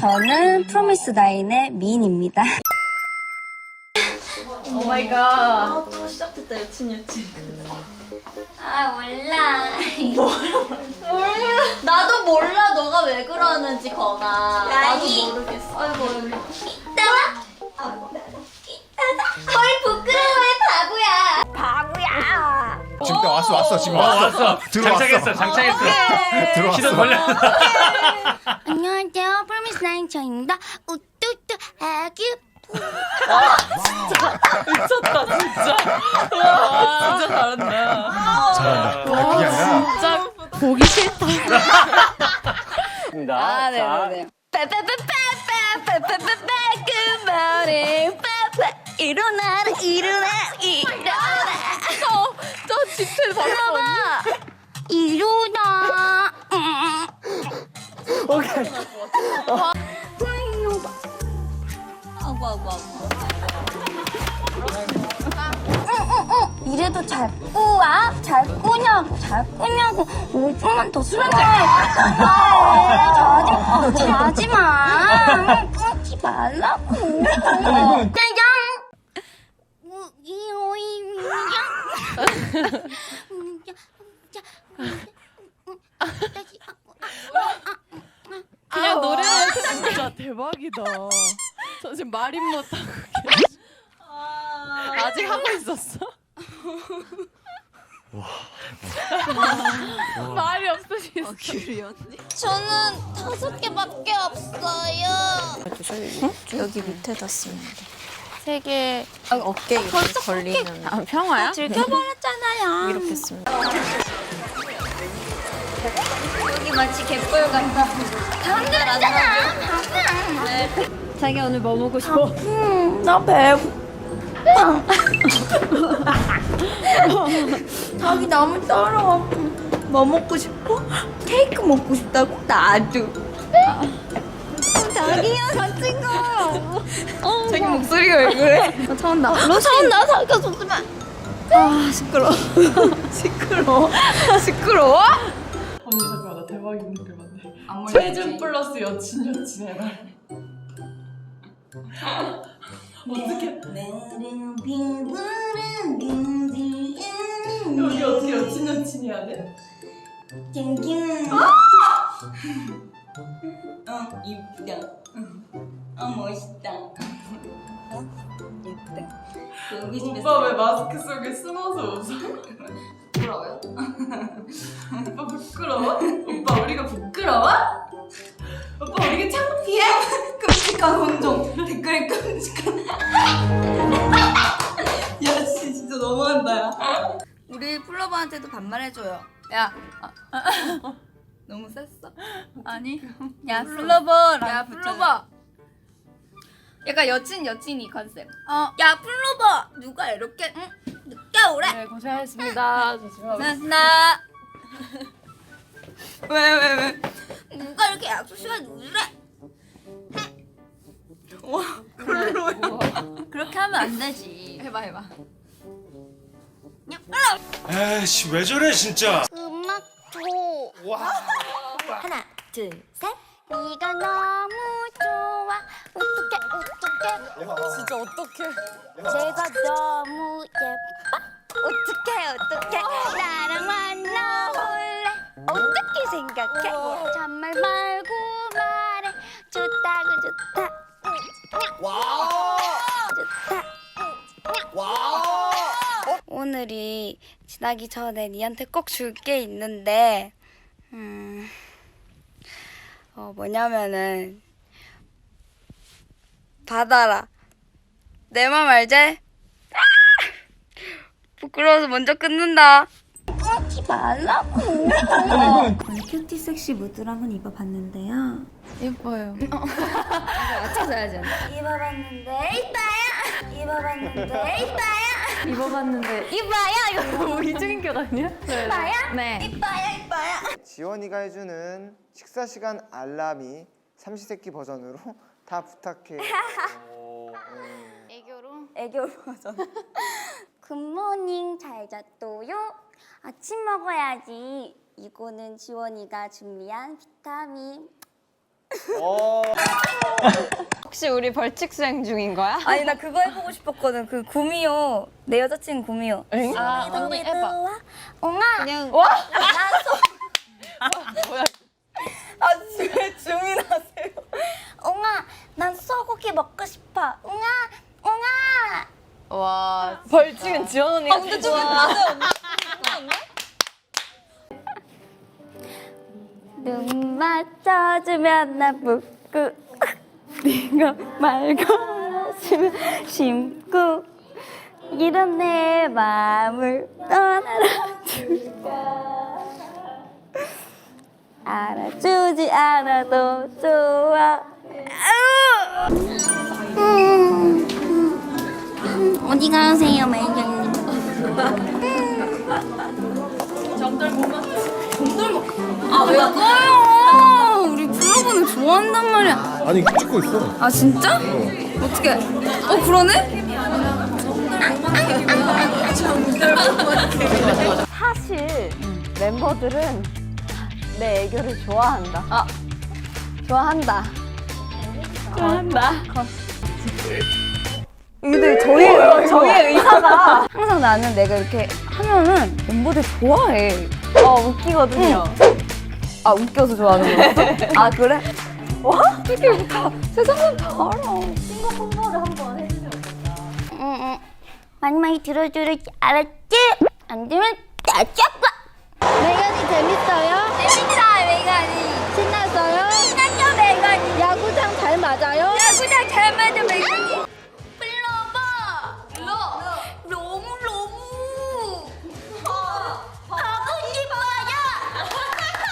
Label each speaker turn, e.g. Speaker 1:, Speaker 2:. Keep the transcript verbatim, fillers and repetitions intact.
Speaker 1: 저는 프로미스 나인의 미인입니다.
Speaker 2: 오 마이 갓. 아, 또 시작됐다, 여친 여친.
Speaker 1: 아 몰라.
Speaker 2: 몰라. 나도 몰라, 너가 왜 그러는지, 건아. 나도 모르겠어. 아이고,
Speaker 1: 이따가. 헐 부끄러워해 바보야. 바보야.
Speaker 3: 지금 나 왔어 왔어 지금
Speaker 4: 어,
Speaker 3: 왔어.
Speaker 4: 왔어.
Speaker 3: 들어왔어.
Speaker 4: 장착했어, 장착했어.
Speaker 3: 들어왔어.
Speaker 4: 시선 걸려.
Speaker 1: 안녕하세요 프로미스 나인 저입니다. 우뚜뚜 아규.
Speaker 2: 미쳤다, 진짜. 와, 진짜 잘한다.
Speaker 3: 잘한다. 그게 아니라
Speaker 2: 진짜 보기 싫다.
Speaker 1: 아 네네네. 빠빠빠빠빠빠빠빠 굿모닝 빠빠 일어나라 일어나라 일어나라.
Speaker 2: 저 집에 봤어.
Speaker 1: 일어나.
Speaker 3: 오케이.
Speaker 2: 아구, 아구, 아구.
Speaker 1: 이래도 잘 꾸와? 잘 꾸냐고, 잘 꾸냐고. 오 분만 더 술 한잔 해. 자지, 자지 마. 끊지 말라고. 짜장.
Speaker 2: 그냥 노래만 진짜 대박이다. 저 지금 말임 못하고 계시. 아직 하고 있었어? 말이 없으시겠어. 어, 귤이 언니?
Speaker 1: 저는 다섯 개밖에 없어요.
Speaker 5: 여기 밑에다 쓰면 돼.
Speaker 2: 세 개.
Speaker 5: 아, 어깨 이렇게 걸리면. 아, 평화야?
Speaker 1: 들켜버렸잖아요.
Speaker 5: 이렇게 쓰면 돼.
Speaker 1: 여기 마치 갯벌 같다. 당근이잖아. 네.
Speaker 5: 자기 오늘 뭐 먹고 싶어?
Speaker 1: 음, 나 배고파. 자기 너무 떨어. 뭐 먹고 싶어? 케이크 먹고 싶다고? 나도. 자기야 같이 가. 어, 자기 목소리가 왜 그래? 나 차온다. 너 차온다. 자기가 줬으면. 아 시끄러. 시끄러. 시끄러워?
Speaker 2: 언니 잠깐만, 나 대박 있는 글 맞네. 체중 플러스 여친 여친 해봐. 어떻게? 여기 어떻게 여친 여친 해야 돼?
Speaker 1: 어 이쁘다. 어 멋있다. 어 예쁘다. 여기 집에서
Speaker 2: 오빠 왜 마스크 속에 숨어서 웃어?
Speaker 1: 부끄러워요?
Speaker 2: 오빠 부끄러워? 오빠 우리가 부끄러워? 오빠 우리가 창피해?
Speaker 1: 끔찍한 혼종. 댓글에 끔찍한. 야 씨, 진짜 너무한다 야. 우리 플러버한테도 반말해줘요. 야 아, 너무 셌어? 아니 야 플러버랑 야 플러버. 약간 여친 여친이 컨셉. 어. 야 플로버 누가 이렇게 응? 늦게 오래?
Speaker 2: 네, 고생하셨습니다. 조심하고.
Speaker 1: 나. 왜 왜 왜? 누가 이렇게 약속 시간에 늦으래? 와 별로야. 그렇게 하면 안 되지. 해봐 해봐.
Speaker 4: 에이씨, 왜 저래, 진짜.
Speaker 1: 음악 줘.
Speaker 4: 와.
Speaker 1: 하나 둘 셋. 네가 너무 좋아. 어떡해 어떡해.
Speaker 2: 진짜 어떡해.
Speaker 1: 제가 너무 예뻐. 어떡해 어떡해. 나랑 만나볼래. 어떻게 생각해? 잔말 말고 말해. 좋다고 좋다. 와. 좋다. 와. 오늘이 지나기 전에 니한테 꼭 줄 게 있는데 음, 어 뭐냐면은 받아라. 내 맘 알지? 부끄러워서 먼저 끊는다. 끊지 말라고.
Speaker 6: 오늘 큐티 섹시 무드로 한번 입어봤는데요.
Speaker 2: 예뻐요.
Speaker 1: 맞춰서 해야지. 입어봤는데 이빠야. 입어봤는데 이빠야.
Speaker 2: 입어봤는데 이봐야 이거 이중인격 아니야?
Speaker 1: 이빠야.
Speaker 2: 네.
Speaker 1: 이빠야 이빠야.
Speaker 7: 지원이가 해주는 식사 시간 알람이 삼시세끼 버전으로 다 부탁해.
Speaker 1: 애교로? 애교 버전. 굿모닝 잘 잤도요. 아침 먹어야지. 이거는 지원이가 준비한 비타민.
Speaker 7: 어.
Speaker 5: 혹시 우리 벌칙 수행 중인 거야?
Speaker 1: 아니 나 그거 해보고 싶었거든. 그 구미호 내 여자친구 구미호.
Speaker 2: 아 언니 해봐.
Speaker 1: 옹아.
Speaker 5: 그냥
Speaker 1: 아 왜 주민하세요? 옹아 난 소고기 먹고 싶어. 옹아 옹아.
Speaker 2: 와
Speaker 5: 벌칙은 지원 언니가.
Speaker 1: 아 근데 좀 맞아요. 눈 맞춰주면 나 붓고 네가 말고 하시면 심고 이런 내 마음을 떠나라 줄까 알아주지 않아도 좋아. 음, 음, 어디 가세요 매니저님? 아 왜 꺼요? 우리 플로버는 좋아한단 말이야.
Speaker 3: 아니 찍고 있어.
Speaker 1: 아 진짜? 어떻게? 어 그러네?
Speaker 5: 사실 멤버들은 내 애교를 좋아한다.
Speaker 1: 아 좋아한다.
Speaker 5: 좋아한다.
Speaker 1: 근데 저희 저희의 의사가 항상 나는 내가 이렇게 하면은 멤버들 좋아해.
Speaker 5: 어 웃기거든요.
Speaker 1: 아 웃겨서 좋아하는 거였어? 아 그래? 와 이렇게 다 세상은 다 알아. 싱글 홍보를 한번 해주면 어떨까? 응응 많이 많이 들어줘야지 알았지? 안 되면 따짝봐. 매연이 재밌어요?